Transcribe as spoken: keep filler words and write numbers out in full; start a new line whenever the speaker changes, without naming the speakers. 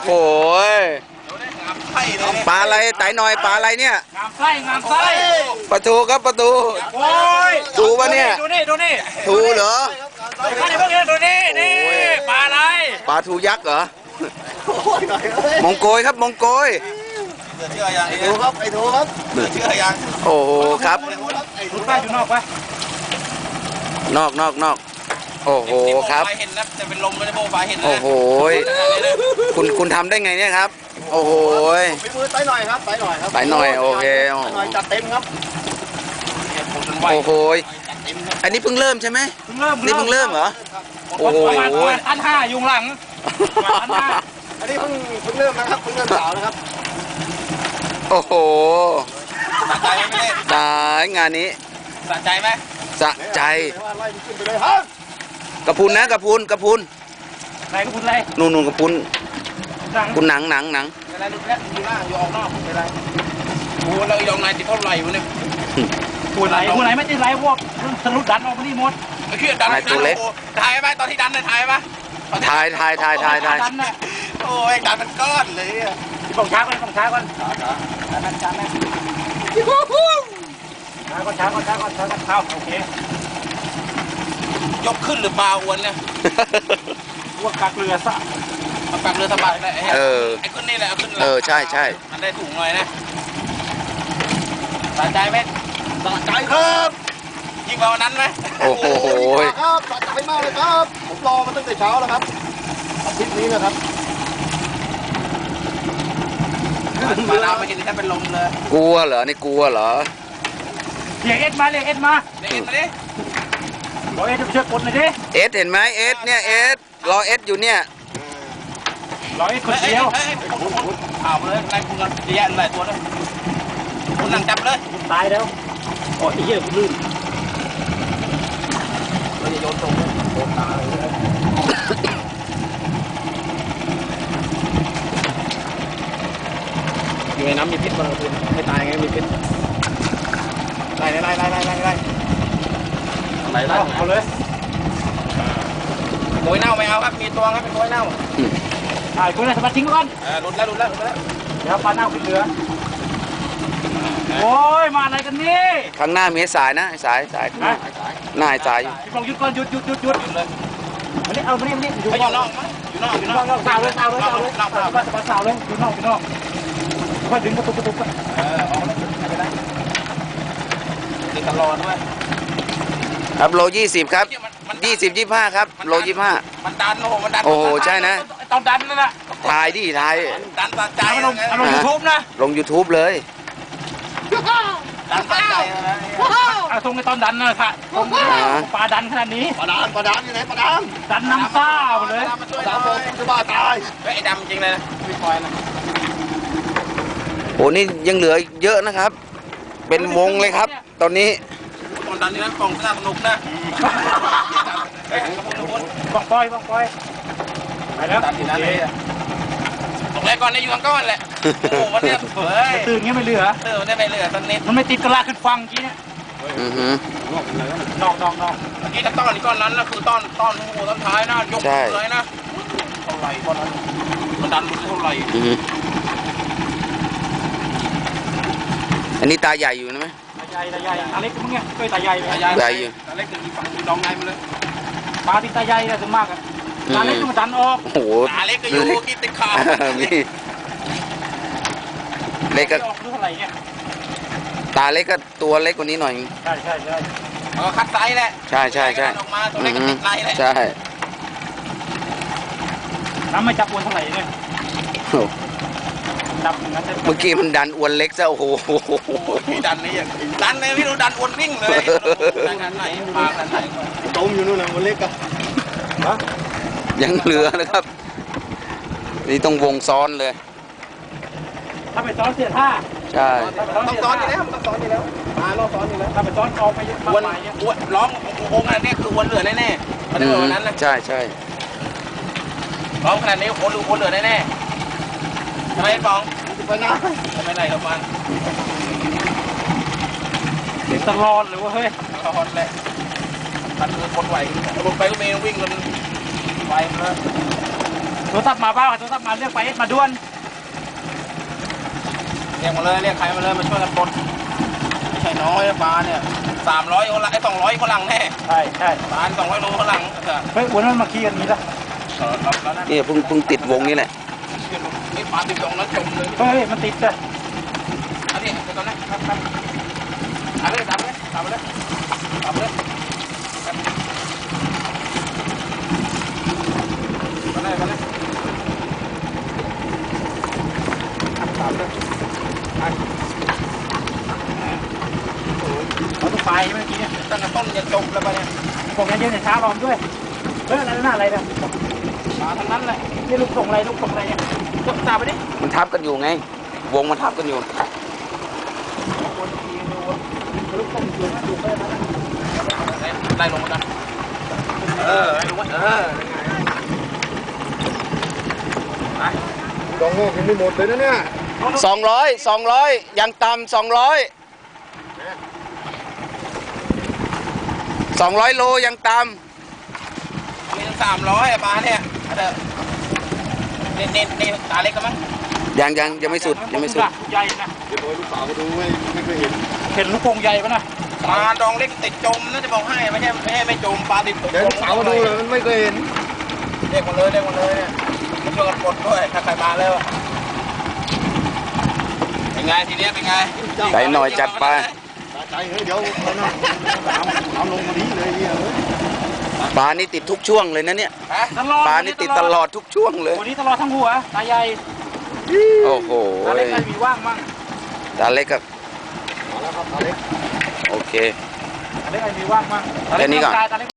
หปลาอะไรไต่หน่อยปลาอะไรเนี่ย
งามไส้งามไส้
ปลาทูครับปลาทู
โอ้ย
ทูปะเนี่ย
ดูนี่ดูนี่
ทูเหรอ
ดูนี่ดูนี่นี่ปลาอะไร
ปลาทูยักษ์เหรอมงโกยครับมงโกย
เชื่อยังไอ้ทูครับไอ้ทูครับเชื่อยัง
โอ้โหครับ
ดูป้าอยู่นอกปะ
นอกนอกนอกโอ้โหครับ
เห็นนะจะเป็นลมไม่ได้โบฟ้าเห็นนะ
โอ้โหคุณคุณทำได้ไงเนี่ยครับโอ้โห
ฝีมือไต่หน่อยครับไต่หน่อยครับ
ไต่หน่อยโอเค
หน่อยจัดเต็มครับ
โอ้โหอันนี้เพิ่งเริ่มใช่ไหม
เพิ่งเริ่ม
นี่เพิ่งเริ่มเหรอโอ้โห
อันห้ายุงหลัง
อันนี้เพิ่งเพิ่งเริ่มนะครับเพิ่งเริ่มสาวนะครับ
โอ้โห
สะใจไหม
สายงานนี้
สะใจไหม
สะใจ
ไล่ขึ้นไปเลยฮะ
กระพุนนะกระพุนกระพุน
ไหนกระพุนอะไร
นู่นนู่นกระพุนคุณหนังหนังหนัง
อะไรดูแลดูหน้าอยู่ออกนอกเป็นไรโอ้เรายองนายติดเท่าไหร่วะเนี่ย
หัวไหนหัวไหนไม่ติดไรพวกสรุปดันออกมานี่หมด
ไอ้เขี้ยดันตัวเล็กถ่ายไหมตอนที่ดันเลยถ่ายไหม
ถ่ายถ่ายถ่ายถ่ายถ่าย
โอ้ยดันมันก้อนเลย
ฝั่งช้าก่อนฝั่งช้าก่อนช้าแม่ช้าแม่ช้าก่อนช้าก่อนช้าก่อนช้าก่อนเข้าโอเค
ยกขึ้นหรือเบาอ้วนเนี่ย
ว่ากักเรือซะ
มันกักเรือสบายเลย
เออ
ไอ้ขึ้นนี่แหละเอาขึ้น
เออใช่ใช่
มันได้ถุงหน่อยนะสะใจไหมสะใจครับยิ่งกว่าวันนั้นไหม
โอ้โห
ครับสะใจมากเลยครับผมรอมาตั้งแต่เช้าแล้วครับอาทิตย์นี้นะครับมาเราไม่เห็นแค่เป็นลมเลย
กลัวเหรอนี่กลัวเหรอ
เรียกเอ็ดมาเรียกเอ็ดมา
เรียกเอ็ดมาดิ
บอกเอ็ดจะไปช่วยกดหน่อยดิ
เอสเห็นไหมเอสเนี่ยเอสรอเอสอยู่เนี่ย
รอเอ็ดคนเดียว
ข่าวมาเลยไล่คุณกันแย่หลายตัวเลยคุณนั่งจับเลย
ตายแล้วโอ้ยเหี้ยคุณลื่น
เราจะโยนตรงเลยโดนตาเลยอยู่ในน้ำมีพิษบ้างคุณไม่ตายไงมีพิษไล่ไล่ไล่ไล่ไล่ไล่ไล่ไล่
เอาเลย
โวยเน่าไม่เอาครับมีตัวครับเป็นโวยเน่า
ถ่ายคุณเลยสมาทิ้งก่อน
เออหลุดแล้วหลุดแล้วหลุดแล้ว
เดี๋ยวปลาเน่าขึ้นเรือโอ้ยมาอะไรกันนี่
ข้างหน้ามีสายนะสายสายหน้าหน้าสายอยู่
ลองหยุดก่อนหยุดหยุดหยุดหยุดเลยอันนี้เอาไม่ได้ไม่ได้อยู่
นอกอยู่นอกอยู่นอก
อยู่นอกสาวเลยสาวเลยสาวเลยสาวเลยสาวเลยอยู่นอกอยู่นอกค่อยดึงกระตุกกระตุก
เออออกเลยไม่เป็นไรดึงตลอดด้วย
ครับโลยี่สิบครับยี่สิบยี่ห้าครับโลยี่ห้า
มันดันโอ้โหมันดัน
โอ้โหใช่นะ
ต้องดันนั่นแหละ
ถ่ายดิถ่าย
ดันตัดใจ
ลงลงยูทูบนะ
ลงยูทูบเลย
ดันตัดใจนะ
เอาตรงในตอนดันนะค่ะตรงปลาดันขนาดนี้
ปลาดันปลาดันอยู่ไหนปลาดัน
ดันน้ำซ่าเลย
สามโมงจะบ้าตายไอ้ดำจริงเลยนะไม่ปล่อยนะ
โอ้นี่ยังเหลือเยอะนะครับเป็นวงเลยครับตอนนี้
ตอนดันนี่นะกล่องสนุกนะ
บังปอยบังปอยไปแล้ว
ดันที่นั่นเลยตกแรกก่อนในอยู่ข้างก้อนแหละโอ้วันนี้เฮ้ย
ตื่นงี้ไม่เหลือ
เออได้ไม่เหลือตอนนี้
มันไม่ติดกระลาขึ้นฟังกี้เนี่ยนอกนอกนอก
เมื่อกี้ถ้าต้อนนี่ก้อนนั้นนะคือต้อนต้อนหัวต้นท้ายนะยกเลยนะเท่าไหร่ก้อนนั้นมันดันเท่าไหร่
อันนี้ตาใหญ่อยู่นะไหม
ตาใหญ่ตาใหญ่ตาเล็กมึงไงเคยตาใหญ่
ตาใหญ่อยู่ตาเล็กอยู่ฝั่งน้องในมาเลย
ปลาที่ตาใหญ่เลยถึงมากอ่ะตาเล็กก็มาดันออก
โอ้โห
ตาเล็กก็อยู่กินติดขา
มีเล็กก็ตาเล็กก็ตัวเล็กกว่านี้หน่อย
ใช่ใช่ใช่
อ๋อคัดไซส์แหละ
ใช่ใช่ใช่
ออกมาตัวเล็กก็ติดไซส์แหละ
ใช่
น้ำไม่จับอวนเท่าไหร่เนี่ยดับ
เมื่อกี้มันดันอวนเล็กซะโอ้โห
ดันนี่อย่างดันเลยไม่รู้ดันอวนวิ่งเลยดันไหนปลาดันไหนต้มอยู่นู่นนะอวนเล็กอะ
ยังเหลือนะครับนี่ต้องวงซ้อนเลย
ถ้าไปซ้อนเสียท่า
ใช่
ต้องซ้อนอยู่แล้วต้องซ้อนอยู่แล้วมาล้อซ้อนอยู่แล้ว
ถ้าไปซ้อนออกไป
วนวนล้อมองค์อันนี้คือวนเหลือแน่ๆมันจะเป็นวันนั้นนะ
ใช่ใช่
ล้อมขนาดนี้วนวนเหลือแน่ๆทำไมฟองไปไหนไปไหนกับมัน
เด็กตลอดเลยว่าเฮ้ย
ตลอดเลยมันคือคนไหวคนไปก็เมย์วิ่งกันไปแล้ว
โทรศัพท์มาบ้างโทรศัพท์มาเรียกไปเอสมาด่วน
เรียกมาเลยเรียกใครมาเลยมาช่วยกันปลดไม่ใช่น้อยนะปลาเนี่ยสามร้อยคนละไอ้สองร้อยคนหลังแน่
ใช่ใช่
ปลาสองร้อยโลคนหลังเออ
เฮ้ยวันนั้นมาขี่กันนี้ละ
เออรับแล้วนะ
นี่เพิ่งเพิ่งติดวงนี่แหละ
นี่ปลาติดตรงนั้นจมเลย
เฮ้ยมันติดเลย
อันนี้ไปตอนนั้นครับครับเอาเลยตามเลยตามเลยตามเลยมาเลยมาเลยตามเลยไป
เขาต้องไปเมื่อกี้เนี่ย
ตั้งแต่ต้นยันจบแล้วไปเนี่ย
ผมยังเย็นในช้าลอมด้วยเฮ้ยอะไรน่าอะไรเนี่ย
มาทั้งนั้นเลย
นี่ลูกส่งอะไรลูกส่งอะไรเนี่ยกดตามไปดิ
มันทับกันอยู่ไง วงมันทับกันอยู่
ลูกส่งอยู่นะดูไปนะ
ไล่ลงมาเออไล่ลงมาเออไป
ดองโง่กินไม่หมดเลยนะเนี่ย
สองร้อยสองร้อยยังต่ำสองร้อยสองร้อยโลยังต่
มีทั้งสามร้อยปลาเนี่ยเด้อเน้นเน้นเน้นตาเล็กกันมั้ง
ำยังยังยังไม่สุดยังไม่สุด
ลูกใหญ่นะ
เดี๋ยวลูกสาวมาดูไม่ไม่เคยเห็น
เห็นลูกโป่งใหญ่ปะนะ
ปลาดองเล็กติดจมนะจะบอกให้ไม่ใช่ไม่ใช่ไม่จมปลาติดจม
เดี๋ยวลูกสาวมาดูเลยมันไม่เคยเห็น
เรียกมาเลยเรียกมาเลยเนี่ยมาช่วยกันปลดด้วยถ้าใครมาแล้วเป็นไงทีเนี้ยเป็นไง
ใส่หน่อยจัดไป
ตาใจเฮ้ยเดี๋ยวเอานะเอาเอาลงมาดีเลยเนี่ยเฮ้ย
ปลานี่ติดทุกช่วงเลยนะเนี่ย
ฮะ
ตลอด
ปลานี่ติดตลอดทุกช่วงเลย
วันนี้ตลอดทั้งหัวตาใหญ่
โอ้โห
ตาเล็กใครมีว่างมั่ง
ตาเล็กครับ
มาแล้วครับตาเล็ก
โอเค
ตาเล็กใครมีว่างมั่ง
แค่นี้ก่อน
ตาเล็ก